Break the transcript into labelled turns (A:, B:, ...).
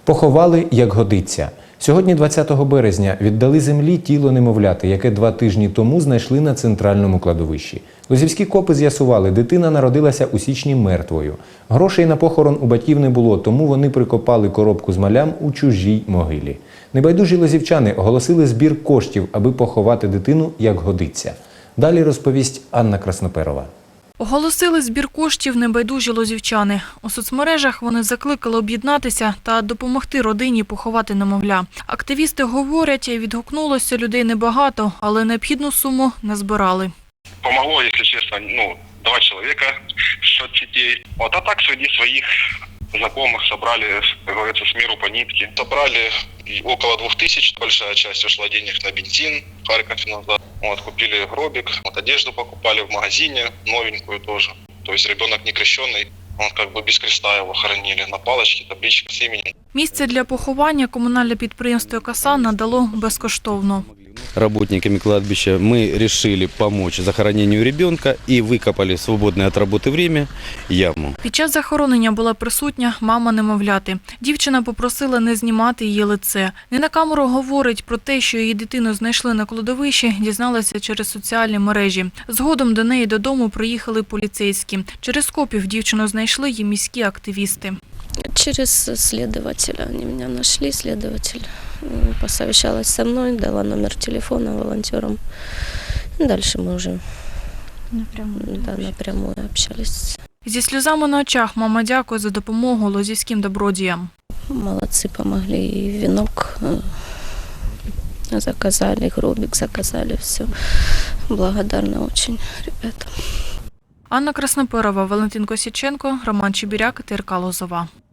A: Поховали, як годиться. Сьогодні, 20 березня, віддали землі тіло немовляти, яке 2 тижні тому знайшли на центральному кладовищі. Лозівські копи з'ясували, дитина народилася у січні мертвою. Грошей на похорон у батьків не було, тому вони прикопали коробку з малям у чужій могилі. Небайдужі лозівчани оголосили збір коштів, аби поховати дитину, як годиться. Далі розповість Анна Красноперова.
B: Оголосили збір коштів небайдужі лозівчани. У соцмережах вони закликали об'єднатися та допомогти родині поховати немовля. Активісти говорять, відгукнулося людей небагато, але необхідну суму не збирали.
C: Помогло, если честно, 2 человека, счет детей. А так среди своих знакомых собрали, как говорится, с миру по нитке. Собрали около 2000, большая часть ушла денег на бензин, Харьков назад. Купили гробик, одежду покупали в магазине, новенькую тоже. То есть ребенок не крещенный, без креста его хоронили, на палочке, табличка с именем.
B: Місце для поховання комунальне підприємство «Каса» надало безкоштовно.
D: Работниками кладбища мы решили помочь захоронению ребенка и выкопали в свободное от работы время яму.
B: Під час захоронення була присутня мама немовляти. Дівчина попросила не знімати її лице. Не на камеру говорить про те, що її дитину знайшли на кладовищі, дізналася через соціальні мережі. Згодом до неї додому приїхали поліцейські. Через копів дівчину знайшли і міські активісти.
E: Через следователя. Они меня нашли, следователь посовещалась со мной, дала номер телефона волонтерам. Дальше мы уже напрямую общались.
B: Зі сльозами на очах мама дякує за допомогу лозівським добродіям.
E: Молодцы, помогли, и венок заказали, гробик заказали, все. Благодарна очень ребятам.
B: Анна Красноперова, Валентин Косяченко, Роман Чебіряк, ТРК Лозова.